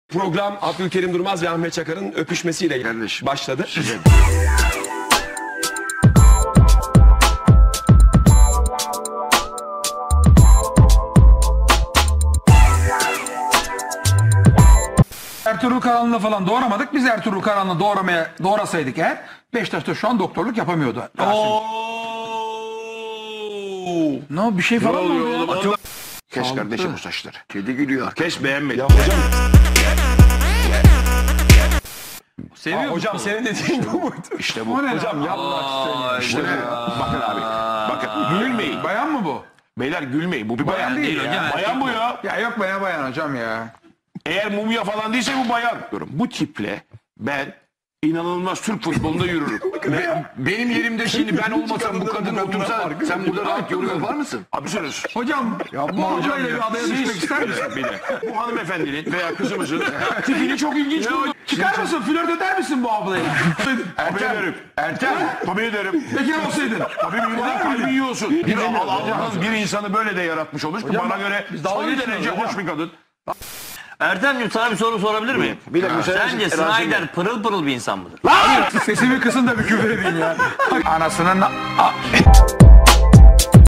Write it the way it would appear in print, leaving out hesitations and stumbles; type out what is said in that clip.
Program Abdülkerim Durmaz ve Ahmet Çakar'ın öpüşmesiyle başladı. Ertuğrul Karanlı'nı falan doğuramadık. Biz Ertuğrul Karanlı'nı doğrasaydık eğer Beşiktaş'ta şu an doktorluk yapamıyordu. Ne bir şey falan mı oldu ya? Kes kardeşim bu saçları. Kedi gülüyor. Kes beğenmedi. Hocam, Seviyor hocam senin dediğin bu muydu? İşte bu. Hocam yapma. İşte bu. Bakın abi. Bakın gülmeyin. Bayan mı bu? Beyler gülmeyin. Bu bir bayan değil hocam, ya. erkek Bayan bu ya. Ya yok bayan hocam ya. Eğer mumya falan değilse bu bayan. Bu tiple ben inanılmaz Türk futbolunda yürürüm. Benim yerimde şimdi ben olmasam bu kadın otursa sen burada rahat yorum yapar mısın? Abi söylüyorsun. Hocam bu ablayla bir adaya düşmek ister misin? Bir de bu hanımefendinin veya kızımızın tipini çok ilginç buldum. Çıkar mısın? Flört eder misin bu ablayla? Tabii ederim. Tabii ederim. Bekar olsaydın. Tabii birden kalbi yiyorsun. Allah'ın bir insanı böyle de yaratmış olmuş ki bana göre son derece hoş bir kadın. Ertem'ciğim sana bir soru sorabilir miyim? Bir dakika, Sence Snyder pırıl pırıl bir insan mıdır? Sesimi kısın da bir küfür edeyim ya. Anasının...